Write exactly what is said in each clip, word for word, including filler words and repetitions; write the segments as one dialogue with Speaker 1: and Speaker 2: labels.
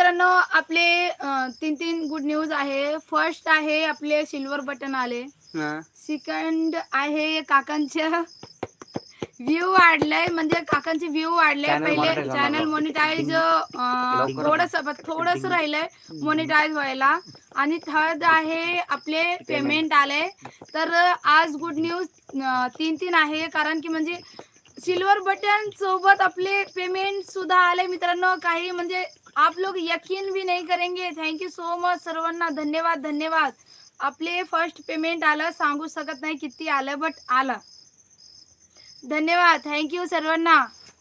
Speaker 1: मित्रांनो आपले तीन तीन गुड न्यूज आहे. फर्स्ट आहे आपले सिल्वर बटन आले. सेकंड आहे काकांच्या व्ह्यू वाढलाय, म्हणजे काकांचे व्ह्यू वाढले. पहिले चॅनल मॉनिटाईज थोडस थोडस राहिलंय मॉनिटाईज व्हायला. आणि थर्ड आहे आपले पेमेंट आले. तर आज गुड न्यूज तीन तीन आहे, कारण की म्हणजे सिल्वर बटन सोबत आपले पेमेंट सुद्धा आले मित्रांनो. काही म्हणजे आप लोग यकीन भी नहीं करेंगे. थँक्यू सो मच सर्वांना, धन्यवाद धन्यवाद. आपले फर्स्ट पेमेंट आलं, सांगू शकत नाही किती आलं बट आलं. धन्यवाद, थँक्यू सर्वांना.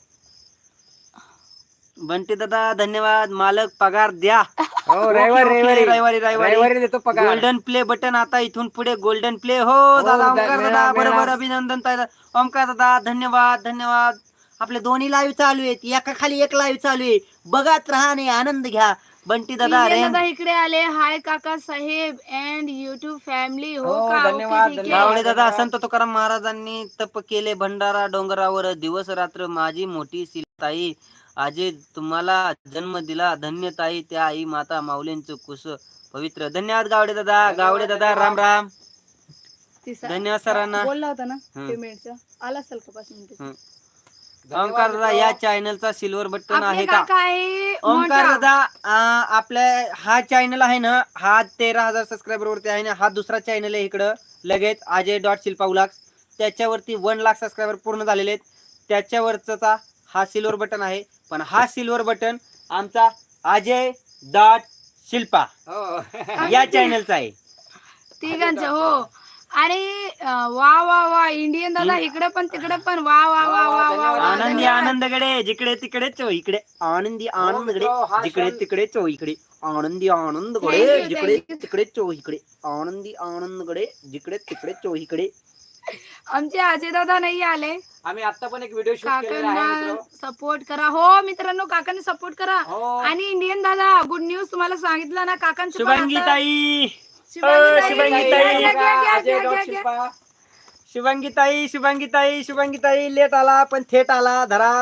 Speaker 2: बंटी दादा धन्यवाद. मालक पगार द्या.
Speaker 3: हो रविवारी
Speaker 2: रविवारी
Speaker 3: रविवारी देतो पगार.
Speaker 2: गोल्डन प्ले बटन आता इथून पुढे गोल्डन प्ले. हो दादा ओमकार दादा बरोबर, अभिनंदन ताई. ओमकार दादा धन्यवाद धन्यवाद. आपले दोन्ही लाईव्ह चालू आहेत, एका खाली एक लाईव्ह चालू आहे. बघत राहा आणि आनंद घ्या. बंटी दादा
Speaker 1: दादा इकडे आले. हाय काका साहेब अँड युट्यूब फॅमिली. हो
Speaker 3: हो,
Speaker 1: का,
Speaker 3: धन्यवाद,
Speaker 1: ओके, ठीक
Speaker 3: धन्यवाद.
Speaker 1: आहे.
Speaker 2: गावडे दादा संत तुकाराम महाराजांनी तप केले भंडारा डोंगरावर, दिवस रात्र माझी मोठी सीताई, आजे तुम्हाला जन्म दिला धन्य ताई, त्या आई माता माऊलींचं कुस पवित्र. धन्यवाद गावडे दादा. गावडे दादा राम राम. धन्यवाद सरांना.
Speaker 1: बोलला होता ना पेमेंटचा, आला असेल का पाच मिनिटं.
Speaker 2: ओमकार दादा या चॅनलचा सिल्वर बटन आहे का?
Speaker 1: काय
Speaker 2: ओमकार दादा आपल्या हा चॅनल आहे ना, हा तेरा हजार सबस्क्रायबर वरती आहे ना. हा दुसरा चॅनल आहे इकडं लगेच अजय डॉट शिल्पा उलाक्स. त्याच्यावरती वन लाख सबस्क्रायबर पूर्ण झालेले आहेत. त्याच्यावरचा हा सिल्वर बटन आहे. पण हा सिल्वर बटन आमचा अजय डॉट शिल्पा या चॅनलचा आहे.
Speaker 1: तिघांचं हो. आणि वा वा वा इंडियन दादा इकडे पण तिकडे पण वा वा वा वा वा वा.
Speaker 2: आनंदी आनंदगडे जिकडे तिकडे चो इकडे. आनंदी आनंदगडे जिकडे तिकडे चो इकडे. आनंदी आनंदगडे जिकडे तिकडे चो इकडे. आनंदी आनंदगडे जिकडे तिकडे चो इकडे.
Speaker 1: आमचे अजय दादा नाही आले.
Speaker 3: आम्ही आता पण एक व्हिडिओ शूट केलेला आहे
Speaker 1: काकांना
Speaker 3: मित्र.
Speaker 1: सपोर्ट करा. हो मित्रांनो काकांनी सपोर्ट करा.
Speaker 3: हो.
Speaker 1: आणि इंडियन दादा गुड न्यूज तुम्हाला सांगितलं ना काकांचं पण
Speaker 2: शुभांगी
Speaker 1: आता-
Speaker 2: ताई
Speaker 1: शुभांगी
Speaker 2: शुभांगी
Speaker 1: ताई,
Speaker 2: ताई.
Speaker 1: घ्या, घ्या, घ्या, घ्या,
Speaker 3: अजय
Speaker 1: घ्या,
Speaker 3: डॉट
Speaker 1: घ्या, घ्या.
Speaker 3: शिल्पा.
Speaker 2: शुभांगी ताई शुभांगी ताई शुभांगी ताई लेट आला पण थेट आला. धरा.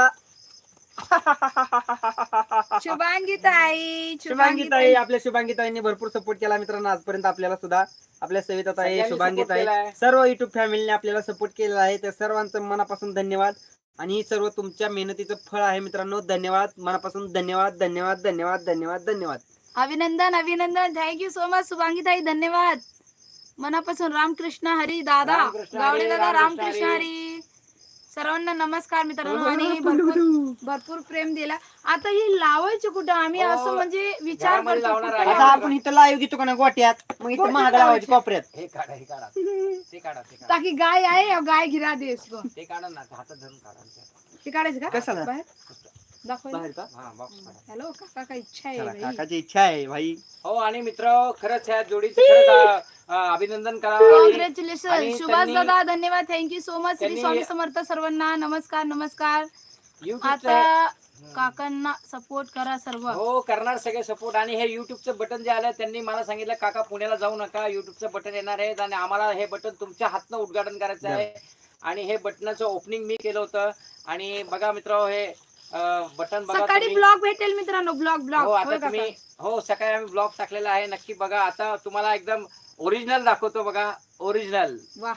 Speaker 1: शुभांगी ताई
Speaker 2: शुभांगी ताई आपल्या शुभांगी ताईंनी भरपूर सपोर्ट केला मित्रांनो आजपर्यंत आपल्याला सुद्धा. आपल्या सविता ताई
Speaker 3: सगळ्यांनी
Speaker 2: शुभांगी
Speaker 3: support
Speaker 2: ताई
Speaker 3: केलाय.
Speaker 2: सर्व युट्यूब फॅमिलीने आपल्याला सपोर्ट केलेला आहे. त्या सर्वांचं मनापासून धन्यवाद. आणि ही सर्व तुमच्या मेहनतीचं फळ आहे मित्रांनो. धन्यवाद मनापासून. धन्यवाद धन्यवाद धन्यवाद धन्यवाद धन्यवाद.
Speaker 1: अभिनंदन अभिनंदन. थँक्यू सो मच शुभांगी ताई, धन्यवाद मनापासून. रामकृष्ण हरी दादा,
Speaker 3: रामकृष्ण
Speaker 1: गावडे
Speaker 3: हरी,
Speaker 1: दादा,
Speaker 3: रामकृष्ण
Speaker 1: रामकृष्ण
Speaker 3: हरी.
Speaker 1: हरी. सर्वांना नमस्कार मित्रांनो. आणि भरपूर भरपूर प्रेम दिला. आता ही लावायची कुठं आम्ही
Speaker 3: हो,
Speaker 1: असं म्हणजे विचार
Speaker 3: घरामध्ये
Speaker 1: करतो
Speaker 3: लावणार
Speaker 1: कुठं
Speaker 3: आहे.
Speaker 2: आता
Speaker 1: लावायचं?
Speaker 2: आपण इथं लाईव्ह घेतो का ना गोट्यात, मग इथं महाग लावायची कोपऱ्यात.
Speaker 3: हे काढा हे काढा ते काढा ते काढा
Speaker 1: ताकि गाय आहे और गाय गिरा दे इसको.
Speaker 3: ते काढा ना हातात धरून काढा.
Speaker 1: ते काढायचं का
Speaker 2: कशाला?
Speaker 1: बाहेर दाखव.
Speaker 2: बाहेर का?
Speaker 3: हा बॉक्स काढा.
Speaker 1: हॅलो काका काय इच्छा आहे
Speaker 2: चला,
Speaker 1: बाई?
Speaker 2: काकाची इच्छा आहे भाई.
Speaker 3: हो आणि मित्र खरंच ह्या जोडीचं खरंच अं, अभिनंदन करा. आणि
Speaker 1: कॉंग्रॅच्युलेशन सुभाष
Speaker 3: त्यांनी-
Speaker 1: दादा, धन्यवाद, थँक्यू सो मच. श्री
Speaker 3: त्यांनी-
Speaker 1: स्वामी समर्थ सर्वांना नमस्कार नमस्कार.
Speaker 3: युट्यूबचं
Speaker 1: आता काकांना सपोर्ट करा सर्व.
Speaker 3: हो करणार सगळे सपोर्ट. आणि हे युट्यूबचं बटन जे आलं त्यांनी मला सांगितलं काका पुण्याला जाऊ नका, युट्यूबचं बटन येणार आहे आणि आम्हाला हे बटन तुमच्या हातनं उद्घाटन करायचं आहे. आणि हे बटनाचं ओपनिंग मी केलं होतं. आणि बघा मित्र हे बटन बघा
Speaker 1: सकाळी
Speaker 3: तुम्ही.
Speaker 1: ब्लॉग भेटेल मित्रांनो, ब्लॉग
Speaker 3: हो
Speaker 1: ब्लॉग.
Speaker 3: आता तुम्ही हो सकाळी आम्ही ब्लॉग टाकलेला आहे, नक्की बघा. आता तुम्हाला एकदम ओरिजिनल दाखवतो बघा. ओरिजिनल
Speaker 1: वाह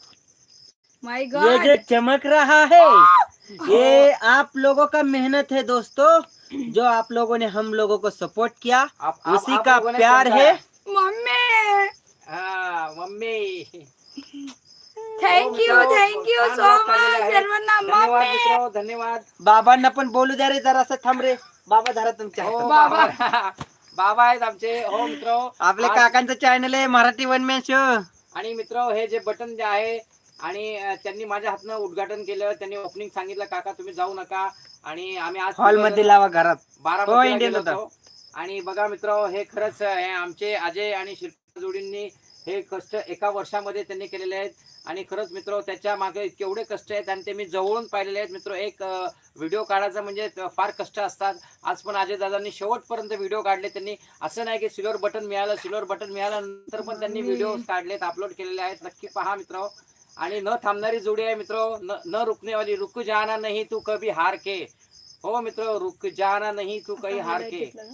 Speaker 1: माय
Speaker 2: ये
Speaker 1: गॉड.
Speaker 2: जो चमक रहा है ये आप लोगों का मेहनत है दोस्तों. जो आप लोगों ने हम लोगों को सपोर्ट किया
Speaker 3: आप- आप-
Speaker 2: उसी
Speaker 3: आप
Speaker 2: का
Speaker 3: लोगों ने
Speaker 2: प्यार
Speaker 3: समझाया.
Speaker 2: है.
Speaker 1: मम्मी
Speaker 3: हा मम्मी
Speaker 1: थँक्यू
Speaker 3: हो,
Speaker 1: थँक्यू
Speaker 3: छान
Speaker 1: सो
Speaker 3: vlog
Speaker 1: मच
Speaker 3: काढलेले आहेत.
Speaker 1: सर्वांना.
Speaker 3: धन्यवाद
Speaker 1: मम्मी
Speaker 3: मित्र धन्यवाद.
Speaker 2: बाबांना पण बोलू द्या रे जरा. थांब रे बाबा. धरा तुमच्या
Speaker 3: हो
Speaker 2: हातात.
Speaker 3: बाबा बाबा आहेत आमचे. हो मित्र
Speaker 2: आपले
Speaker 3: आज-
Speaker 2: काकांचं चॅनल आहे मराठी वन मॅन शो.
Speaker 3: आणि मित्र हे जे बटन जे आहे आणि अं, त्यांनी माझ्या हातनं उद्घाटन केलं. त्यांनी ओपनिंग सांगितलं काका तुम्ही जाऊ नका. आणि आम्ही आज
Speaker 2: हॉल मध्ये लावा घरात. हो,
Speaker 3: बारा
Speaker 2: इंडियन होता.
Speaker 3: आणि बघा मित्र हे खरंच हे आमचे अजय आणि शिल्पा जोडींनी हे कष्ट एका वर्षामध्ये त्यांनी केलेले आहेत. आणि खरंच मित्र त्याच्या मागे केवढे कष्ट आहेत आणि ते मी जवळून पाहिलेले आहेत मित्र. एक व्हिडिओ काढायचा म्हणजे फार कष्ट असतात. आज पण अजय दादांनी शेवटपर्यंत व्हिडिओ काढले. त्यांनी असं नाही की सिल्वर बटन मिळालं सिल्वर बटन मिळाल्यानंतर पण त्यांनी व्हिडिओ काढलेत, अपलोड केलेले आहेत. नक्की पहा मित्र. आणि न थांबणारी जोडी आहे मित्र. न न रुकने वाली. रुक जाना नहीं तू कभी हार के. हो मित्र रुक जाना नहीं तू कहीं हार के.